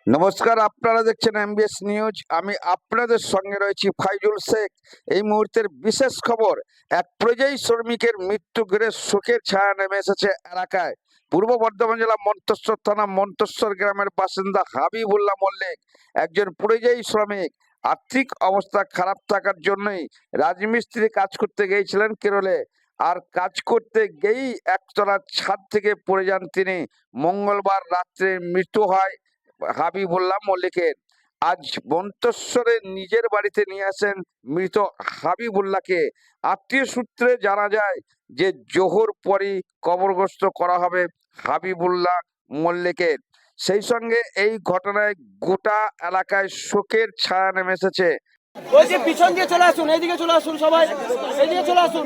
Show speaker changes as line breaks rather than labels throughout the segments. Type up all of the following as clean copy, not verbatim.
নমস্কার, আপনারা দেখছেন এমবিএস নিউজ। আমি আপনাদের সঙ্গে রয়েছি ফাইজুল শেখ। এই মুহূর্তের বিশেষ খবর, এক পরিযায়ী শ্রমিকের মৃত্যু ঘিরে শোকের ছায়া নেমে এসেছে এলাকায়। পূর্ব বর্ধমান জেলা মন্তেশ্বর থানা মন্তেশ্বর গ্রামের বাসিন্দা হাবিবুল্লাহ মল্লিক একজন পরিযায়ী শ্রমিক। আর্থিক অবস্থা খারাপ থাকার জন্যই রাজমিস্ত্রি কাজ করতে গিয়েছিলেন কেরলে। আর কাজ করতে গিয়েই একতলার ছাদ থেকে পড়ে যান তিনি। মঙ্গলবার রাত্রে মৃত্যু হয় হাবিবুল্লাহ মল্লিকের। আজ মন্তেশ্বরে নিজের বাড়িতে নিয়ে আসেন মৃত হাবিবুল্লাহকে। আত্মীয় সূত্রে জানা যায় যে জোহর পরই কবরগ্রস্ত করা হবে হাবিবুল্লাহ মল্লিকের। সেই সঙ্গে এই ঘটনায় গোটা এলাকায় শোকের ছায়া নেমে এসেছে।
ওই যে পিছন দিয়ে চলে আসুন, এইদিকে চলে আসুন, সবাই এইদিকে চলে আসুন।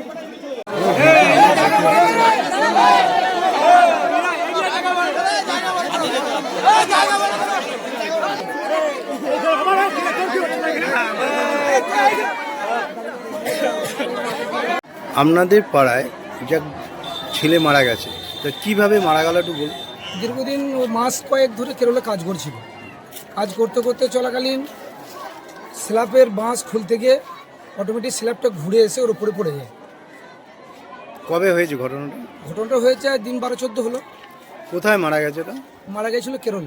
আপনাদের পাড়ায় যা ছেলে মারা গেছে, তা কিভাবে মারা গেল একটু বলুন।
দীর্ঘদিন ও মাস কয়েক ধরে কেরলে কাজ করছিল। কাজ করতে করতে চলাকালীন স্ল্যাবের বাঁশ খুলতে গিয়ে অটোমেটিক স্ল্যাবটা ঘুরে এসে ওর উপরে পড়ে যায়।
কবে হয়েছে ঘটনাটা?
ঘটনাটা হয়েছে দিন 12-14 হলো।
কোথায় মারা গেছে ওটা?
মারা গেছিল কেরলে।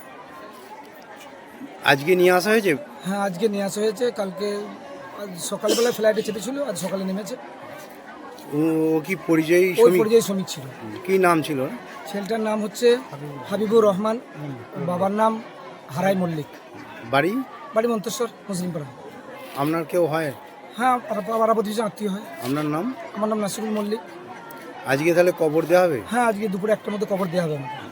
আজকে নিয়ে আসা হয়েছে?
হ্যাঁ, আজকে নিয়ে আসা হয়েছে। কালকে আজ সকালবেলা ফ্লাইটে চেপেছিল, আজ সকালে নেমেছে।
ও কি পরিযায়ী
ওই
শ্রমিক?
পরিযায়ী শ্রমিক ছিল।
কি নাম ছিল?
ছেলেটার নাম হচ্ছে হাবিবুর রহমান, বাবার নাম হারাই মল্লিক।
বাড়ি?
বাড়ি মন্তেশ্বর মুসলিমপাড়া।
আপনার কেউ হয়?
হ্যাঁ, পাড়া প্রতিবেশী আত্মীয় হয়।
আপনার নাম?
আমার নাম নাসিরুল মল্লিক।
আজকে তাহলে কবর দেওয়া হবে?
হ্যাঁ, আজকে দুপুরে 1টার মধ্যে কবর দেওয়া হবে আমাকে।